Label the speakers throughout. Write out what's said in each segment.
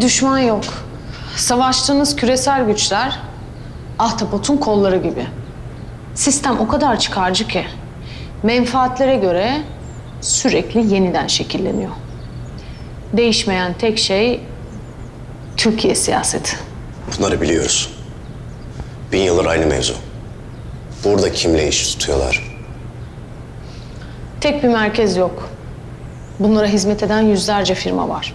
Speaker 1: bir düşman yok. Savaştığınız küresel güçler ahtapotun kolları gibi. Sistem o kadar çıkarcı ki menfaatlere göre sürekli yeniden şekilleniyor. Değişmeyen tek şey Türkiye siyaseti.
Speaker 2: Bunları biliyoruz. 1000 yıldır aynı mevzu. Burada kimle iş tutuyorlar?
Speaker 1: Tek bir merkez yok. Bunlara hizmet eden yüzlerce firma var.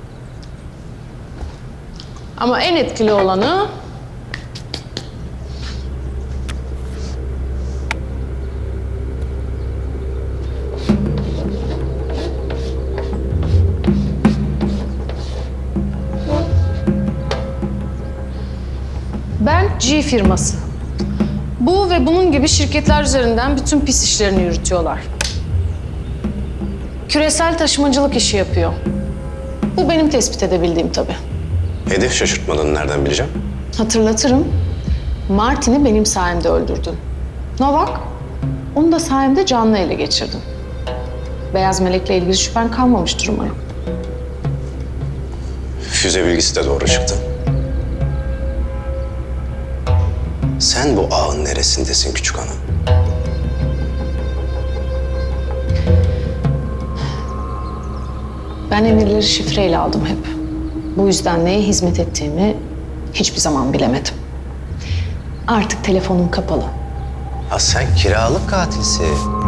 Speaker 1: Ama en etkili olanı Ben G firması. Bu ve bunun gibi şirketler üzerinden bütün pis işlerini yürütüyorlar. Küresel taşımacılık işi yapıyor. Bu benim tespit edebildiğim tabii.
Speaker 2: Hedef şaşırtmadığını nereden bileceğim?
Speaker 1: Hatırlatırım. Martin'i benim sayemde öldürdün. Novak, onu da sayemde canlı ele geçirdin. Beyaz Melek'le ilgili şüphen kalmamıştır umarım.
Speaker 2: Füze bilgisi de doğru çıktı. Sen bu ağın neresindesin küçük hanım?
Speaker 1: Ben emirleri şifreyle aldım hep. Bu yüzden neye hizmet ettiğimi hiçbir zaman bilemedim. Artık telefonum kapalı.
Speaker 2: Ha sen kiralık katilsin.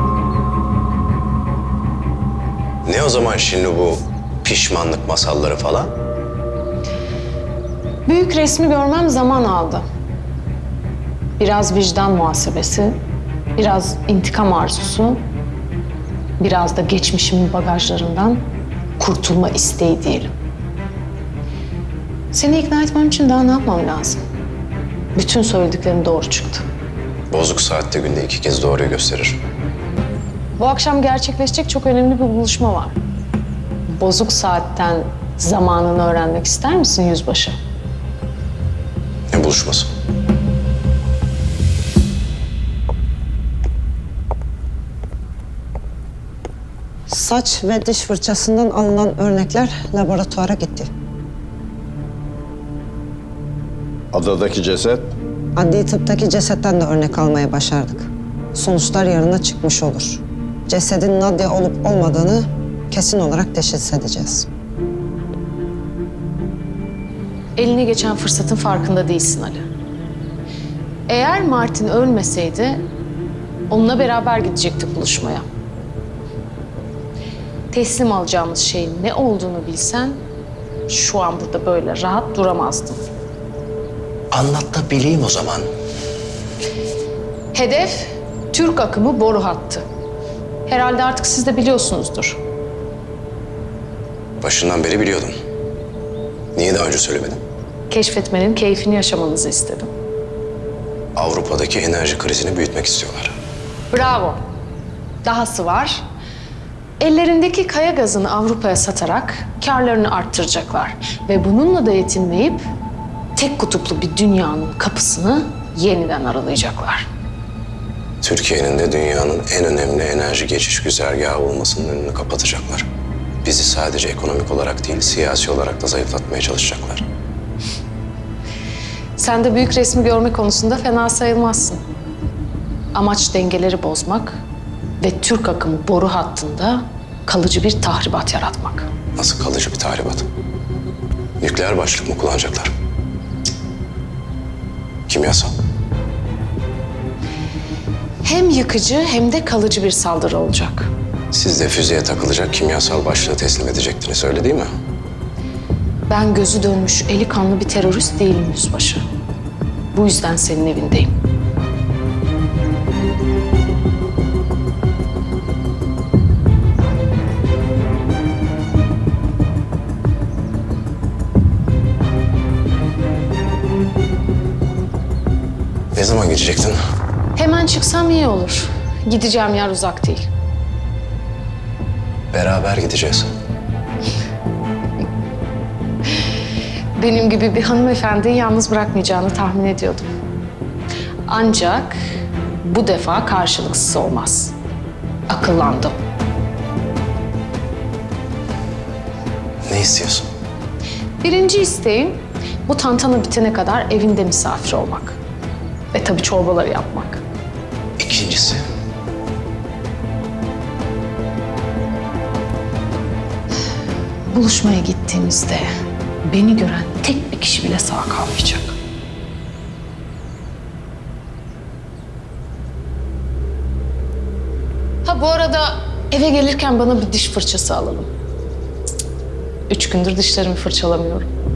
Speaker 2: Ne o zaman şimdi bu pişmanlık masalları falan?
Speaker 1: Büyük resmi görmem zaman aldı. Biraz vicdan muhasebesi, biraz intikam arzusu, biraz da geçmişimin bagajlarından kurtulma isteği diyelim. Seni ikna etmem için daha ne yapmam lazım? Bütün söylediklerim doğru çıktı.
Speaker 2: Bozuk saatte günde 2 kez doğruyu gösterir.
Speaker 1: Bu akşam gerçekleşecek çok önemli bir buluşma var. Bozuk saatten zamanını öğrenmek ister misin yüzbaşı?
Speaker 2: Ne buluşması?
Speaker 3: Saç ve diş fırçasından alınan örnekler laboratuvara gitti.
Speaker 4: Adadaki ceset?
Speaker 3: Adli tıptaki cesetten de örnek almaya başardık. Sonuçlar yarına çıkmış olur. Cesedin Nadia olup olmadığını kesin olarak teşhis edeceğiz.
Speaker 1: Eline geçen fırsatın farkında değilsin Ali. Eğer Martin ölmeseydi onunla beraber gidecektik buluşmaya. Teslim alacağımız şeyin ne olduğunu bilsen şu an burada böyle rahat duramazdın.
Speaker 2: Anlat da bileyim o zaman.
Speaker 1: Hedef Türk akımı boru hattı. Herhalde artık siz de biliyorsunuzdur.
Speaker 2: Başından beri biliyordum. Niye daha önce söylemedin?
Speaker 1: Keşfetmenin keyfini yaşamanızı istedim.
Speaker 2: Avrupa'daki enerji krizini büyütmek istiyorlar.
Speaker 1: Bravo. Dahası var. Ellerindeki kaya gazını Avrupa'ya satarak kârlarını arttıracaklar. Ve bununla da yetinmeyip tek kutuplu bir dünyanın kapısını yeniden aralayacaklar.
Speaker 2: Türkiye'nin de dünyanın en önemli enerji geçiş güzergahı olmasının önünü kapatacaklar. Bizi sadece ekonomik olarak değil, siyasi olarak da zayıflatmaya çalışacaklar.
Speaker 1: Sen de büyük resmi görme konusunda fena sayılmazsın. Amaç dengeleri bozmak ve Türk akımı boru hattında kalıcı bir tahribat yaratmak.
Speaker 2: Nasıl kalıcı bir tahribat? Nükleer başlık mı kullanacaklar? Cık. Kimyasal.
Speaker 1: Hem yıkıcı hem de kalıcı bir saldırı olacak.
Speaker 2: Siz de füzeye takılacak kimyasal başlığı teslim edecektiniz, öyle değil mi?
Speaker 1: Ben gözü dönmüş, eli kanlı bir terörist değilim yüzbaşı. Bu yüzden senin evindeyim.
Speaker 2: Ne zaman gidecektin?
Speaker 1: Hemen çıksam iyi olur. Gideceğim yer uzak değil.
Speaker 2: Beraber gideceğiz.
Speaker 1: Benim gibi bir hanımefendiyi yalnız bırakmayacağını tahmin ediyordum. Ancak bu defa karşılıksız olmaz. Akıllandım.
Speaker 2: Ne istiyorsun?
Speaker 1: Birinci isteğim bu tantana bitene kadar evinde misafir olmak. Ve tabii çorbaları yapmak.
Speaker 2: İkincisi,
Speaker 1: Buluşmaya gittiğimizde beni gören tek bir kişi bile sağ kalmayacak. Ha bu arada eve gelirken bana bir diş fırçası alalım. 3 gündür dişlerimi fırçalamıyorum.